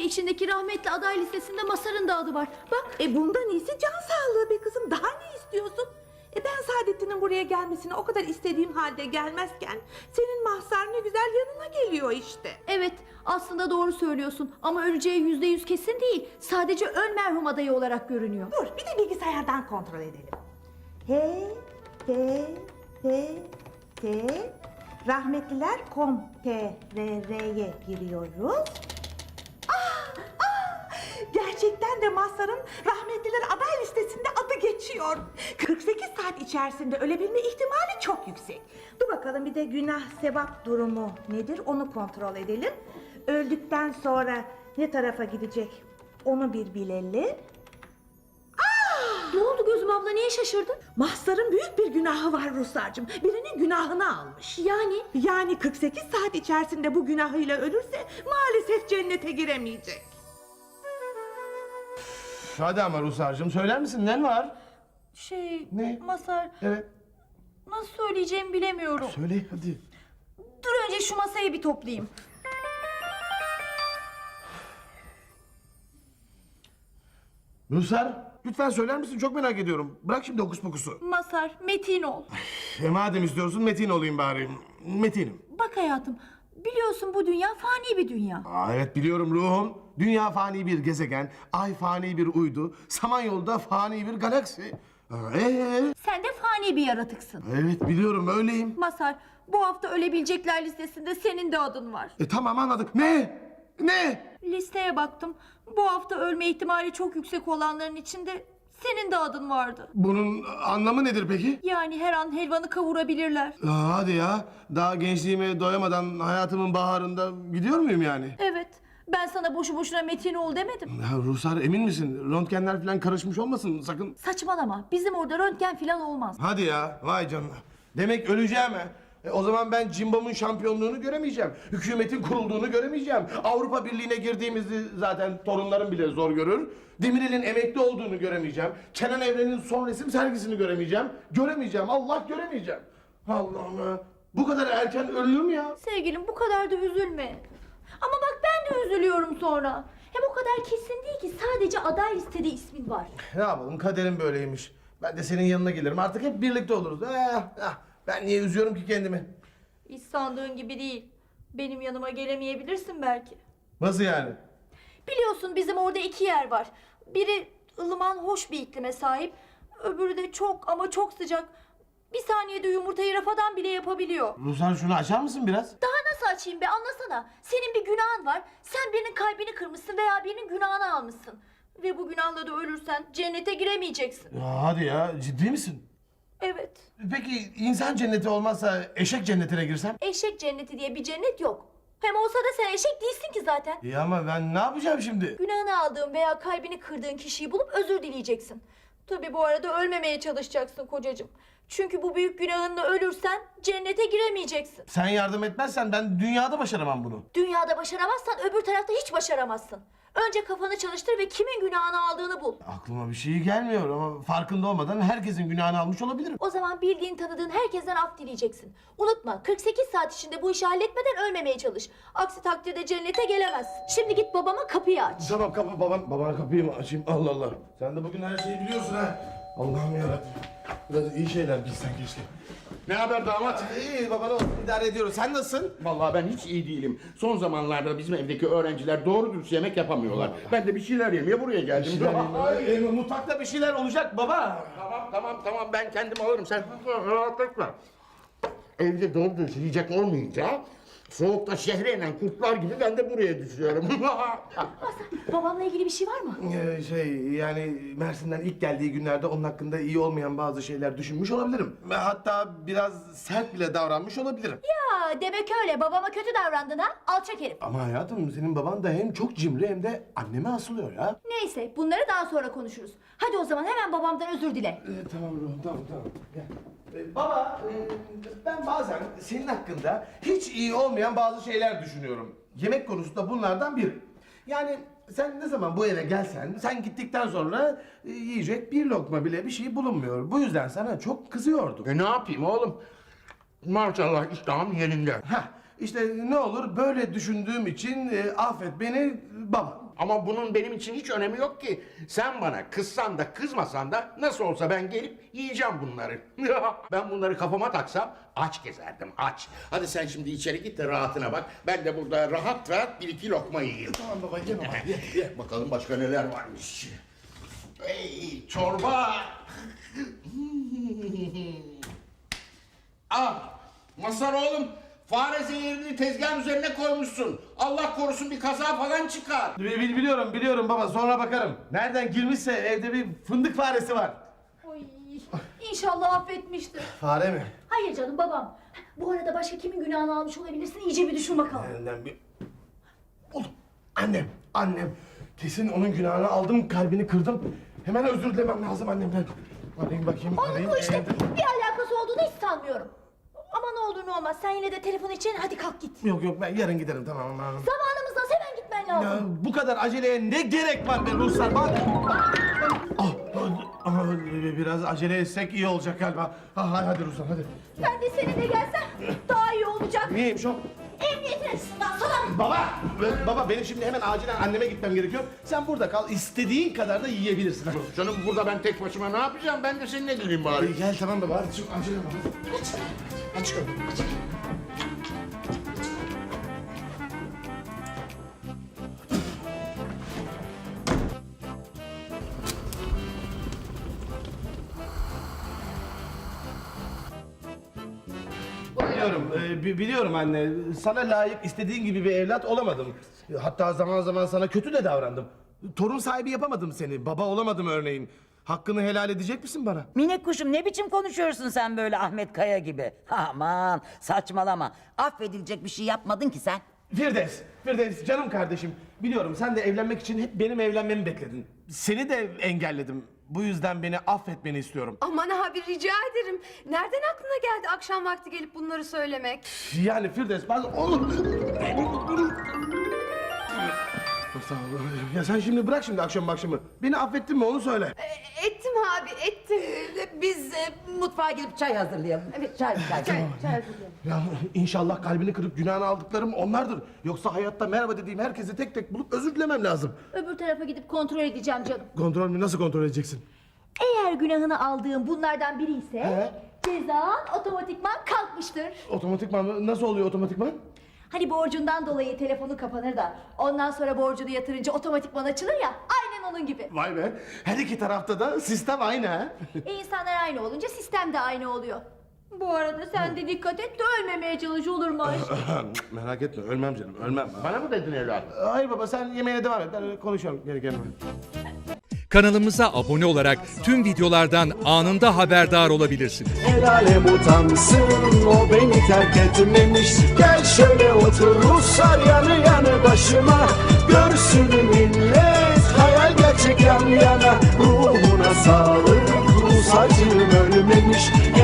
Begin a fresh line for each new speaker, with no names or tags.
içindeki rahmetli aday listesinde Mazhar'ın da adı var. Bak.
Bundan iyisi can sağlığı be kızım. Daha ne istiyorsun? Ben Saadettin'in buraya gelmesini o kadar istediğim halde gelmezken senin Mazhar ne güzel yanına geliyor işte.
Evet, aslında doğru söylüyorsun ama öleceği %100 kesin değil. Sadece ön merhum adayı olarak görünüyor.
Dur bir de bilgisayardan kontrol edelim. T rahmetliler.com.tr'ye giriyoruz. Gerçekten de Mazhar'ın rahmetliler aday listesinde adı geçiyor. 48 saat içerisinde ölebilme ihtimali çok yüksek. Dur bakalım bir de günah sevap durumu nedir onu kontrol edelim. Öldükten sonra ne tarafa gidecek onu bir bilelim.
Ne oldu Gözüm abla, niye şaşırdın?
Mazhar'ın büyük bir günahı var Ruhsar'cığım. Birinin günahını almış. Yani 48 saat içerisinde bu günahıyla ölürse maalesef cennete giremeyecek.
Hadi ama Rusar'cığım söyler misin ne var? Ne?
Mazhar,
Evet.
nasıl söyleyeceğimi bilemiyorum.
Söyle hadi.
Dur önce şu masayı bir toplayayım.
Rusar lütfen söyler misin çok merak ediyorum. Bırak şimdi hokus pokusu.
Mazhar, metin ol.
Madem istiyorsun Metin olayım bari. Metinim.
Bak hayatım, biliyorsun bu dünya fani bir dünya.
Evet biliyorum ruhum. Dünya fani bir gezegen, ay fani bir uydu, Samanyolu'da fani bir galaksi.
Sen de fani bir yaratıksın.
Evet biliyorum öyleyim.
Mazhar, bu hafta ölebilecekler listesinde senin de adın var.
Tamam anladık. Ne? Ne?
Listeye baktım. Bu hafta ölme ihtimali çok yüksek olanların içinde senin de adın vardı.
Bunun anlamı nedir peki?
Yani her an helvanı kavurabilirler.
Hadi ya. Daha gençliğime doyamadan hayatımın baharında gidiyor muyum yani?
Evet. Ben sana boşu boşuna metin ol demedim.
Ya Ruhsar emin misin? Röntgenler falan karışmış olmasın sakın.
Saçmalama. Bizim orada röntgen falan olmaz.
Hadi ya. Vay canına. Demek öleceğim ha. O zaman ben Cimbom'un şampiyonluğunu göremeyeceğim. Hükümetin kurulduğunu göremeyeceğim. Avrupa Birliği'ne girdiğimizi zaten torunlarım bile zor görür. Demirel'in emekli olduğunu göremeyeceğim. Kenan Evren'in son resim sergisini göremeyeceğim. Göremeyeceğim. Allah göremeyeceğim. Allah'ım ya. Bu kadar erken ölür mü ya?
Sevgilim bu kadar da üzülme. Ama bak ben de üzülüyorum sonra. Hem o kadar kesin değil ki, sadece aday listede ismin var.
Ne yapalım kaderim böyleymiş. Ben de senin yanına gelirim. Artık hep birlikte oluruz. Ben niye üzüyorum ki kendimi?
Hiç sandığın gibi değil. Benim yanıma gelemeyebilirsin belki.
Nasıl yani?
Biliyorsun bizim orada 2 yer var. Biri ılıman hoş bir iklime sahip. Öbürü de çok ama çok sıcak. Bir saniyede yumurtayı rafadan bile yapabiliyor.
Ruslan şunu açar mısın biraz?
Daha nasıl açayım be, anlasana. Senin bir günahın var. Sen birinin kalbini kırmışsın veya birinin günahını almışsın. Ve bu günahla da ölürsen cennete giremeyeceksin.
Ya hadi ya ciddi misin?
Evet.
Peki insan cenneti olmazsa eşek cennetine girsem?
Eşek cenneti diye bir cennet yok. Hem olsa da sen eşek değilsin ki zaten.
İyi ama ben ne yapacağım şimdi?
Günahını aldığın veya kalbini kırdığın kişiyi bulup özür dileyeceksin. Tabii bu arada ölmemeye çalışacaksın kocacığım. Çünkü bu büyük günahınla ölürsen cennete giremeyeceksin.
Sen yardım etmezsen ben dünyada başaramam bunu.
Dünyada başaramazsan öbür tarafta hiç başaramazsın. Önce kafanı çalıştır ve kimin günahını aldığını bul.
Aklıma bir şey gelmiyor ama farkında olmadan herkesin günahını almış olabilirim.
O zaman bildiğin tanıdığın herkesten af dileyeceksin. Unutma, 48 saat içinde bu işi halletmeden ölmemeye çalış. Aksi takdirde cennete gelemezsin. Şimdi git babama kapıyı aç.
Tamam babana kapıyı mı açayım? Allah Allah. Sen de bugün her şeyi biliyorsun ha. Allah'ım yarabbim. Biraz iyi şeyler bilsen keşke.
Ne haber damat?
İyi baba ne olsun idare ediyoruz. Sen nasılsın?
Vallahi ben hiç iyi değilim. Son zamanlarda bizim evdeki öğrenciler doğru dürüst yemek yapamıyorlar. Ben de bir şeyler yemeye buraya geldim.
Mutfakta bir şeyler olacak baba.
Tamam ben kendim alırım. Sen rahat etme. Evde doğru dürüst yiyecek olmayınca soğukta şehre inen kurtlar gibi ben de buraya düşüyorum.
Babamla ilgili bir şey var mı?
Yani Mersin'den ilk geldiği günlerde onun hakkında iyi olmayan bazı şeyler düşünmüş olabilirim. Ve hatta biraz sert bile davranmış olabilirim.
Ya demek öyle, babama kötü davrandın ha? Alçak herif.
Ama hayatım senin baban da hem çok cimri hem de anneme asılıyor ya.
Neyse, bunları daha sonra konuşuruz. Hadi o zaman hemen babamdan özür dile.
Tamam ruhum tamam. Gel. Baba ben bazen senin hakkında hiç iyi olmayan bazı şeyler düşünüyorum. Yemek konusunda bunlardan biri. Yani sen ne zaman bu eve gelsen, sen gittikten sonra yiyecek bir lokma bile bir şey bulunmuyor. Bu yüzden sana çok kızıyordum.
Ne yapayım oğlum? Maşallah iştahım yerinde.
İşte ne olur böyle düşündüğüm için affet beni baba.
Ama bunun benim için hiç önemi yok ki. Sen bana kızsan da kızmasan da nasıl olsa ben gelip yiyeceğim bunları. Ben bunları kafama taksam aç gezerdim, aç. Hadi sen şimdi içeri git de rahatına bak. Ben de burada rahat rahat bir iki lokma yiyeyim.
Tamam baba ye baba.
Ye bakalım başka neler varmış. Ey çorba. Ah Mazhar oğlum, fare zehirini tezgahın üzerine koymuşsun. Allah korusun bir kaza falan çıkar.
Biliyorum baba, sonra bakarım. Nereden girmişse evde bir fındık faresi var.
Oy, İnşallah affetmiştir.
Fare mi?
Hayır canım, babam. Bu arada başka kimin günahını almış olabilirsin, iyice bir düşün bakalım.
Elinden bir... Oğlum, annem. Kesin onun günahını aldım, kalbini kırdım. Hemen özür dilemem lazım annemden. Arayayım bakayım.
Onun bu işte
evde.
bir alakası olduğunu hiç sanmıyorum. Ama ne olur ne olmaz, sen yine de telefon için hadi kalk git.
Yok ben yarın giderim, tamam.
Zamanımız az, hemen gitmen
Ya,
lazım.
bu kadar aceleye ne gerek var be Ruslar? Bak. Biraz acele etsek iyi olacak galiba. Hadi Ruslar hadi.
Ben de seninle gelsem daha iyi olacak.
Niyeymiş o?
Emniyetine salak.
Baba benim şimdi hemen acilen anneme gitmem gerekiyor. Sen burada kal, istediğin kadar da yiyebilirsin.
Canım burada ben tek başıma ne yapacağım? Ben de seninle geleyim bari.
Gel tamam baba, hadi çık acele baba. Aç kapıyı. Biliyorum anne. Sana layık istediğin gibi bir evlat olamadım. Hatta zaman zaman sana kötü de davrandım. Torun sahibi yapamadım seni. Baba olamadım örneğin. Hakkını helal edecek misin bana?
Minik kuşum, ne biçim konuşuyorsun sen böyle Ahmet Kaya gibi? Aman saçmalama. Affedilecek bir şey yapmadın ki sen.
Firdevs canım kardeşim. Biliyorum sen de evlenmek için hep benim evlenmemi bekledin. Seni de engelledim. Bu yüzden beni affetmeni istiyorum.
Aman abi rica ederim. Nereden aklına geldi akşam vakti gelip bunları söylemek?
Yani Firdevs bazen olur. Sağ ol. Ya sen şimdi bırak şimdi akşamı. Beni affettin mi onu söyle.
Ettim abi ettim.
Biz mutfağa gidip çay hazırlayalım. Evet çay.
Ya inşallah kalbini kırıp günahını aldıklarım onlardır. Yoksa hayatta merhaba dediğim herkesi tek tek bulup özür dilemem lazım.
Öbür tarafa gidip kontrol edeceğim canım.
Kontrol mü? Nasıl kontrol edeceksin?
Eğer günahını aldığım bunlardan biri ise
He?
cezan otomatikman kalkmıştır.
Otomatikman mı? Nasıl oluyor otomatikman?
Hani borcundan dolayı telefonu kapanır da ondan sonra borcunu yatırınca otomatikman açılır ya, aynen onun gibi.
Vay be. Her iki tarafta da sistem aynı ha.
İnsanlar aynı olunca sistem de aynı oluyor. Bu arada sen de dikkat et de ölmemeye çalış, olur mu aşkım?
Merak etme ölmem canım ölmem.
Bana mı dedin evladım?
Hayır baba sen yemeğine devam et. Ben konuşuyorum geri gelme.
Kanalımıza abone olarak tüm videolardan anında haberdar olabilirsiniz.
El alem utansın, o beni terk etmemiş. Gel şöyle otur Ruslar yanı yanı başıma. Görsün millet hayal gerçek yan yana. Ruhuna sağlık, Rus acım ölmemiş.